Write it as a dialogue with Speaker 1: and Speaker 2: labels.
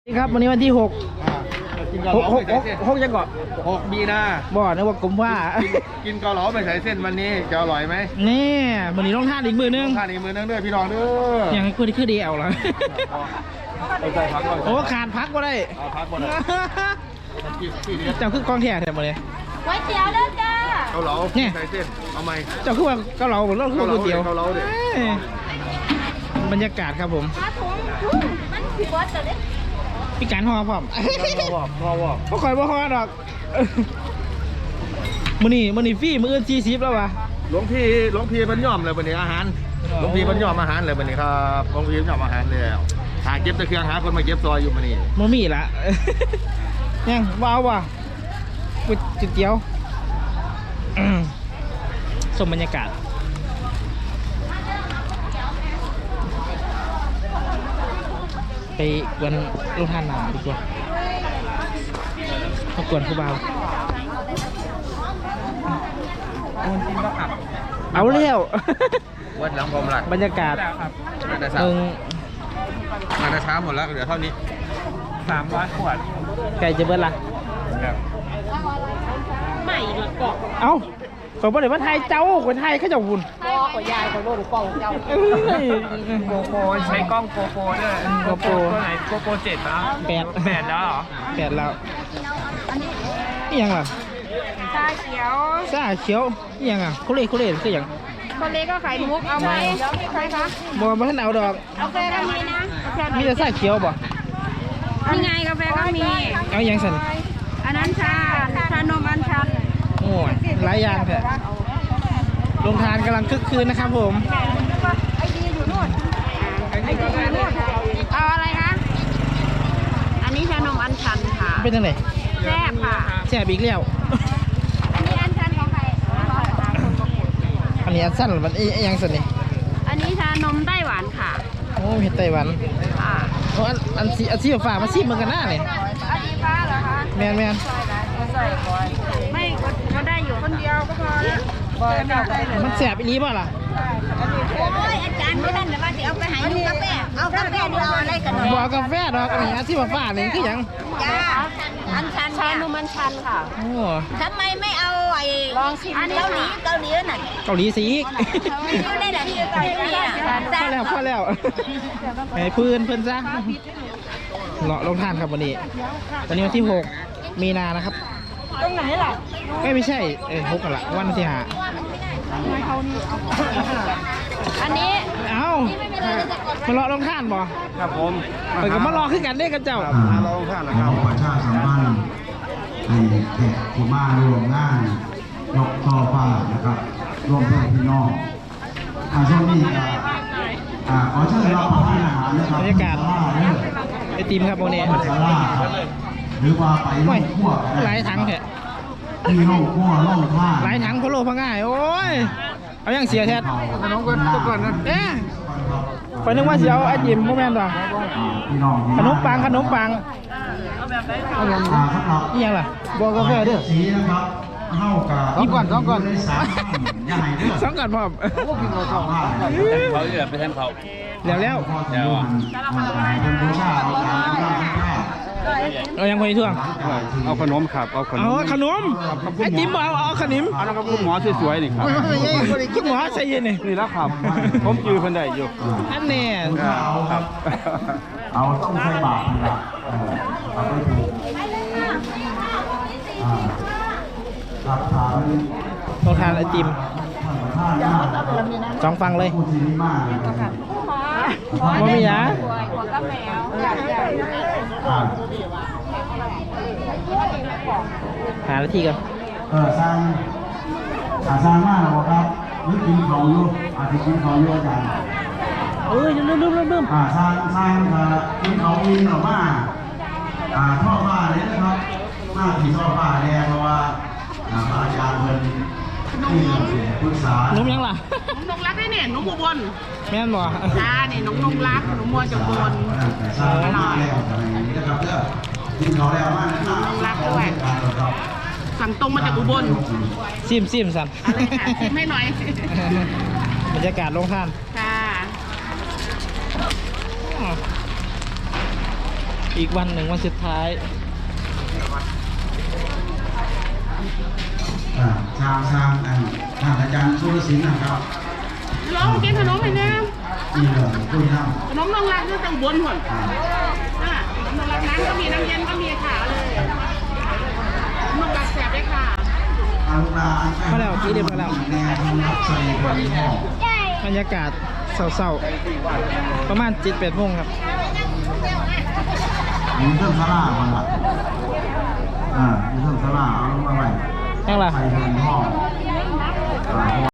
Speaker 1: ครับวันนี้วันที่6
Speaker 2: กินเกาเหลาไม่ใส่เส้น
Speaker 1: 6จะเกาะ
Speaker 2: 6 มีนา
Speaker 1: บ่นึกว่ากลมว่า
Speaker 2: กินเกาเหลาไม่ใส่เส้นวันนี้จะอร่อยไหม
Speaker 1: นี่วันนี้ต้องท่าอีกมือนึง
Speaker 2: ท่านอีกมือนึงด้วยพี่น้องเด้อ
Speaker 1: อย่างคือเดียวเหรอ
Speaker 2: เอาใส่พัก
Speaker 1: โอ้ขาดพักก็ได้
Speaker 2: เอาพักหมดเลยที่เดียว
Speaker 1: เจ้าคือกองแท้แถมหมดเลย
Speaker 3: ก๋วยเตี๋ยวเด้อจ้า
Speaker 2: เกาเหลาใส่เส้นเอาไหม
Speaker 1: เจ้าคือว่าเกาเหลาหรือคือก๋วยเตี๋ยว
Speaker 2: เกาเหลาดิ
Speaker 1: บรรยากาศครับผม
Speaker 3: ถ้าถุงมันผิดวัดจะได้
Speaker 1: พี่การห่อพร้อม
Speaker 2: พอวอก
Speaker 1: ก็คอยบ่ห่อดอกมื้อนี้ฟรีมื้ออื่น40แล้ววะ
Speaker 2: หลวงพี่มันย่อมเลยวันนี้อาหารหลวงพี่มันย่อมอาหารเลยวันนี้ครับหลวงพี่ย่อมอาหารแล้วหาเก็บตะเครื่องหาคนมาเก็บซอยอยู่วันนี้
Speaker 1: บ่มีละ ยังว้าวว่ะก๋วยเตี๋ยวสมบรรยากาศไปกวนลูกท่านหนาดีกว่ามากวนผู้เบาเอาเร็ว
Speaker 2: วัดหลังพรมหลัก
Speaker 1: บรรยากาศ
Speaker 2: มาแต่เช้าหมดแล้วเหลือเท่านี้300 ขวด
Speaker 1: ไก่จะเบิดละ
Speaker 3: ใหม่ดีกว่า
Speaker 1: เอ้าขอบอกเลยว่าไทยเจ้าคนไทยเขาจะวุ่น
Speaker 3: พ่อขอยายขอโลดกล่องเจ้า
Speaker 1: เอ้ย
Speaker 4: โกโปรใช้กล้องโกโปรด้วย
Speaker 1: โกโปร
Speaker 4: ตัวไหนโกโปร7นะ
Speaker 1: 8
Speaker 4: แล้วเหรอ
Speaker 1: แล้วนี่ยังล่ะ
Speaker 3: ชาเขียว
Speaker 1: ซ่าเขียวนี่ยังอ่ะคุเรศคืออย่าง
Speaker 3: คนเล็กก็ไข่มุกเอาไหมใครคะ
Speaker 1: บ่ท่านเอาดอก
Speaker 3: กาแฟก็มีนะ
Speaker 1: มีแต่ซ่าเขียวบ่
Speaker 3: นี่ไงกาแฟก็มี
Speaker 1: เอาอย่างสัน
Speaker 3: อันนั้นชานมอัญชัน
Speaker 1: โอ้ยหลายอย่างแท้ลงทานกำลังคึกคืนนะครับผม
Speaker 3: ไอดีอยู่นู่นไอดีอยู่นู่นเอาอะไรคะอันนี้ชานมอัญชันค่ะ
Speaker 1: เป็นจังได
Speaker 3: แซ่บค่ะ
Speaker 1: แซ่บอีกแล้ว
Speaker 3: อันนี้อัญชันของใคร
Speaker 1: อันนี้อันสั้นมันอีหยังสันนี่
Speaker 3: อันนี้ชานมไต้หวันค่ะ
Speaker 1: โอ้เห็ดไต้หวัน
Speaker 3: ค่ะ
Speaker 1: โอ้อันสีฟ้ามาซีเหมือนกันหน้าเนี่ย
Speaker 3: อันนี้ฟ้าเหรอคะ
Speaker 1: แมน
Speaker 3: ไม่ก็ได้อยู่คนเดียวก็พอแล้ว
Speaker 1: มันแสบอีหลีป่ะล่ะ
Speaker 3: โอ้ยอาจารย์ไม่นั่นแต่ว่าจะเอาไปหาลูกกาแฟเอากาแฟดูเอาอะไรกัน
Speaker 1: บ่เอากาแฟดอกอันนี้อันสีฟ้าๆนี่คือหยัง
Speaker 3: จ้าอันชันชานุมันชันค่ะ
Speaker 1: โอ้
Speaker 3: ทำไมไม่เอาไอ้ลองชิมเกาหลีน่ะ
Speaker 1: เกาหลีสีอีก
Speaker 3: อยู่ในไหนเกาหลีอ่ะ
Speaker 1: พอแล้วให้เพื่อนซะเลาะลงทานครับวันนี้วันที่6 มีนานะครับ
Speaker 3: ตรงไหนล่ะ
Speaker 1: ไม่ใช่6กันละวันที่5
Speaker 3: อันนี้
Speaker 1: เอ้ามาเลาะลงทานบ่
Speaker 2: ครับผม
Speaker 1: เปิดกับมารอขึ้นกันได้กับเจ้า
Speaker 2: เราท่านนะค
Speaker 5: ข
Speaker 2: รั
Speaker 5: อบ ประชาสัมพันธ์ให้แขกที่มาร่วมงานยกช่อฟ้านะครับร่วมเพื่อนพี่น้องช่วงนี้ขอเชิญรับประทานอาหารนะครับ
Speaker 1: บรรยากาศ
Speaker 5: ศลเด้อ
Speaker 1: ไอติมครับวันนี้
Speaker 5: ศาลาครับหรือว่าไปโร
Speaker 1: โอ้ย
Speaker 5: งครัว
Speaker 1: หลายถังแท้
Speaker 5: ที่โรงครัวโรงท่า
Speaker 1: หลายถังพะโล้พะง่ายโอ้ยเอาอย่างเสียแท้
Speaker 5: ขนมกันทุกคนนะ
Speaker 1: เอ๊ะไปนึกว่าเสียวไอติมโมเมนต์ต่อ
Speaker 5: พี่น้อง
Speaker 1: ขนมปัง
Speaker 5: สำหรับ
Speaker 1: นี่ยังล่ะบอกกาแฟเด้อ
Speaker 5: สีนะครับเท่ากับ
Speaker 1: หยิบก่อนสองก่อน
Speaker 5: ได้สามใหญ่เด้อ
Speaker 1: สองก่อนพร้อม
Speaker 4: เขาเหลือไปแทนเขา
Speaker 1: แล้ว
Speaker 5: เป็นบูชาเอาการบูชา
Speaker 1: เอายังพออีกท่วง
Speaker 2: เอาขนมครับเอาขน
Speaker 1: เอา
Speaker 2: ม
Speaker 1: ขนมไอติมบอกเอาขนม
Speaker 2: เอาแล้วก็คุณหมอสวยๆนี่ครับ
Speaker 1: คุณหมอใส่เย็นนี่
Speaker 2: นี่แล้วครับผมจือเพิ่นได้อยู่
Speaker 1: อันนี้
Speaker 2: ครับ
Speaker 5: เอาต้องใส่บาตรนะครับเอาไปถูกรับทาน
Speaker 1: ต้องทานไอติม
Speaker 5: ท่านประธานมาก
Speaker 1: สองฟังเลย
Speaker 5: ผู้ที่นี่มากนะครับ
Speaker 1: ว่ามีหยา
Speaker 3: หัวกาแฟ
Speaker 1: หานาทีก่อน
Speaker 5: สร้างสร้างมากหรอครับนึกกินเขาอยู่อาจจะกินเขาอยู่อาจารย์
Speaker 1: เอ้ยลืม
Speaker 5: สร้างกินเขาอินหรอว่าท่อผ้าเนี่ยนะครับมากที่ท่อผ้าเนี่ยเพราะว่าพระอาจารย์เพิ่นที่ปรึกษา
Speaker 1: นุ่มยังล่ะ
Speaker 6: นงรักได้เนี่ยนงอุบล
Speaker 1: แม่นบ่
Speaker 6: จ้าเนี่ยนงรักหนูมัวจากอุบล
Speaker 5: แต่สร้างมากแล้วอะไรอย่างนี้นะครับเด้อกินเขาแล้วมากนะครับ
Speaker 6: รักด้วย สั่งตรงมาจากอุบล
Speaker 1: ซิมสัน
Speaker 6: อะไรค่ะชิมให้หน่อย
Speaker 1: บรรยากาศลงทาน
Speaker 6: ค่ะ
Speaker 1: อีกวันหนึ่งวันสุดท้าย
Speaker 5: ทางท่านอาจารย์สุรศิลป์นะครับ
Speaker 6: ลองกินขนมไปเนี่ย
Speaker 5: ที่เหลือคุยน้
Speaker 6: ขนมน้องรักที่ต้องบนหมดขนมน้องรักน้ำก็มีน้ำเย็นก็มีค่ะเลยน้องรักแสบเลยค่ะ
Speaker 5: ำอาลูกหลาน
Speaker 1: มาแล้วกี่เดือนมาแล้ว
Speaker 5: แนวทางรับใส่คนห้อง
Speaker 1: บรรยากาศเศร้าๆประมาณ7-8 โมงครับ
Speaker 5: มีเครื่องสลาก่อนละมีเครื่องสลาเอาลงมาไว้
Speaker 1: ยังล่ะ
Speaker 5: ใส่คนห้อง